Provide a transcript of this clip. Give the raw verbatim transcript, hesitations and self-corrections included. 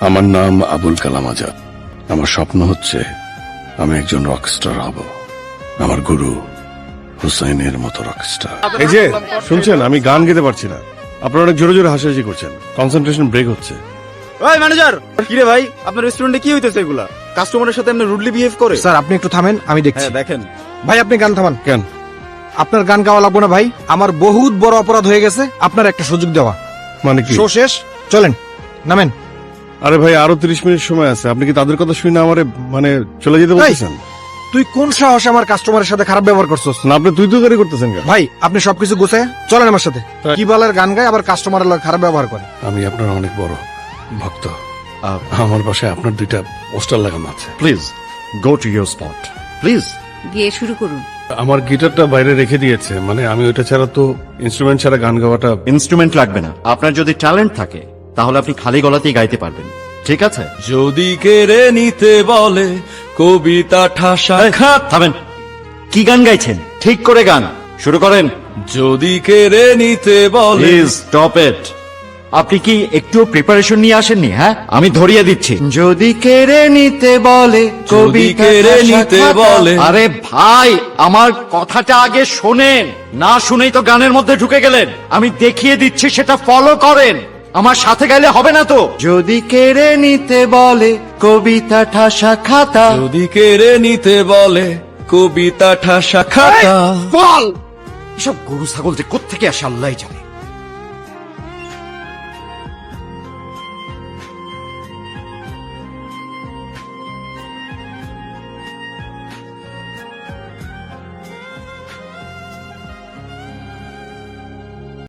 আমার নাম আবুল কালাম আজাদ। আমার স্বপ্ন হচ্ছে আমি একজন রকস্টার হব, আমার গুরু হুসাইনের মতো রকস্টার। এই যে শুনছেন, আমি গান গেতে পারছি না, আপনারা অনেক জোরে জোরে হাসাহাসি করছেন, কনসেন্ট্রেশন ব্রেক হচ্ছে। ওই ম্যানেজার, কি রে ভাই, আপনার রেস্টুরেন্টে কি হইতেছে এগুলা? কাস্টমারের সাথে আপনি রুডলি বিহেভ করে? স্যার আপনি একটু থামেন, আমি দেখছি। হ্যাঁ দেখেন। ভাই আপনি গান থামান। কেন? আপনার গান গাওয়া লাগবে না ভাই, আমার বহুত বড় অপরাধ হয়ে গেছে আপনার একটা সুযোগ দেওয়া। মানে কি? শো শেষ, চলেন নামেন। আরে ভাই আরো তিরিশ মিনিট সময় আছে, আপনি কি তাদের কথা শুনে আমারে মানে চলে যেতে বলতেছেন? তুই কোন সাহসে আমার কাস্টমারের সাথে খারাপ ব্যবহার করছস? না আপনি তুই তুই করে করতেছেন কেন? ভাই আপনি সবকিছু গুছায় চলেন আমার সাথে। কি বলার গান গায় আবার কাস্টমারের লগে খারাপ ব্যবহার করে। আমি আপনার অনেক বড় ভক্ত। আমার বাসায় আপনার দুইটা পোস্টার লাগানো আছে। Please go to your spot please. গিয়ে শুরু করুন। আমার গিটারটা বাইরে রেখে দিয়েছে, মানে আমি ওইটা ছাড়া তো ইনস্ট্রুমেন্ট ছাড়া গান গাওয়াটা। ইনস্ট্রুমেন্ট লাগবে না, আপনার যদি ট্যালেন্ট থাকে তাহলে আপনি খালি গলাতেই গাইতে পারবেন, ঠিক আছে? যদি কেড়ে নিতে বলে কবিতা ঠাসা খাত। থামেন, কি গান গাইছেন? ঠিক করে গান শুরু করেন। যদি কেড়ে নিতে বলে। Please stop it. আপনি কি একটু প্রিপারেশন নিয়ে আসেননি? হ্যাঁ, আমি ধরিয়ে দিচ্ছি। যদি কেড়ে নিতে বলে যদি কেড়ে নিতে বলে। আরে ভাই আমার কথাটা আগে শোনেন, না শুনেই তো গানের মধ্যে ঢুকে গেলেন। আমি দেখিয়ে দিচ্ছি, সেটা ফলো করেন, আমার সাথে গাইলে হবে না তো। যদি কেড়ে নিতে বলে কবিতা ঠাসা খাতা। যদি কেড়ে নিতে বলে কবিতা ঠাসা খাতা। বল, এসব গরু ছাগল যে কোত্থেকে আসে আল্লাহই জানে।